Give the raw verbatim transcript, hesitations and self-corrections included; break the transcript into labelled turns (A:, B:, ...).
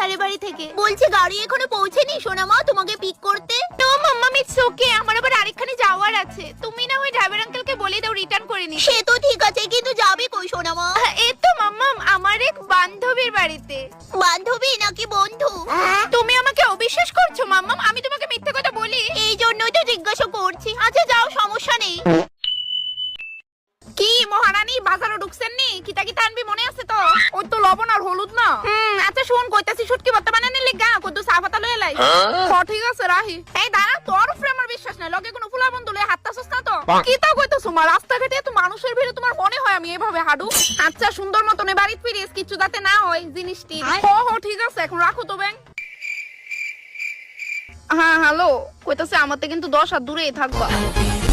A: স্যারের বাড়ি থেকে। বলছে গাড়ি এখনো পৌঁছেনি সোনামা তোমাকে পিক করতে। তো মাম্মা ইটস ওকে, আমার আবার আরেকখানে যাওয়ার আছে। তুমি না ওই ড্রাইভার আঙ্কেলকে বলে দাও রিটার্ন করে নিতে। সে তো ঠিক আছে, কিন্তু যাবে কই সোনামা? এই তো মাম্মা আমার এক বান্ধবীর বাড়িতে। বান্ধবী নাকি বন্ধু? তুমি আমাকে অবিশ্বাস করছো মাম্মা? আমি তোমাকে মিথ্যে কথা বলি? এই জন্যই তো জিজ্ঞাসা করছি। আচ্ছা যাও, সমস্যা নেই। কি মহারানী বাজারে ঢুকছেন নি? কিতা কিতা আনবি মনে আছে তো? ওই তো লবণ আর হলুদ না। হুম আচ্ছা শুন, কইতাছি শুটকি ভর্তা বানানে লিগা কত চা পাতা লয়ে লাই। ও ঠিক আছে রাহি। এই দাঁড়া, তোর উপরে আমার বিশ্বাস নাই। লগে কোনো ফুলা বন্ধু লয়ে হাঁটতাছস না তো? কিতা কইতাছ মা? রাস্তাঘাটে এত মানুষের ভিড়ে তোমার মনে হয় আমি এভাবে হাঁটু? আচ্ছা সুন্দর মতন বাড়িতে ফিরিস, কিছু যাতে না হয় জিনিসটি। ও হো ঠিক আছে, এখন রাখো তো ব্যাং। হ্যাঁ হ্যালো, কইতাছে আমাতে কিন্তু দশ হাত দূরেই থাকবা।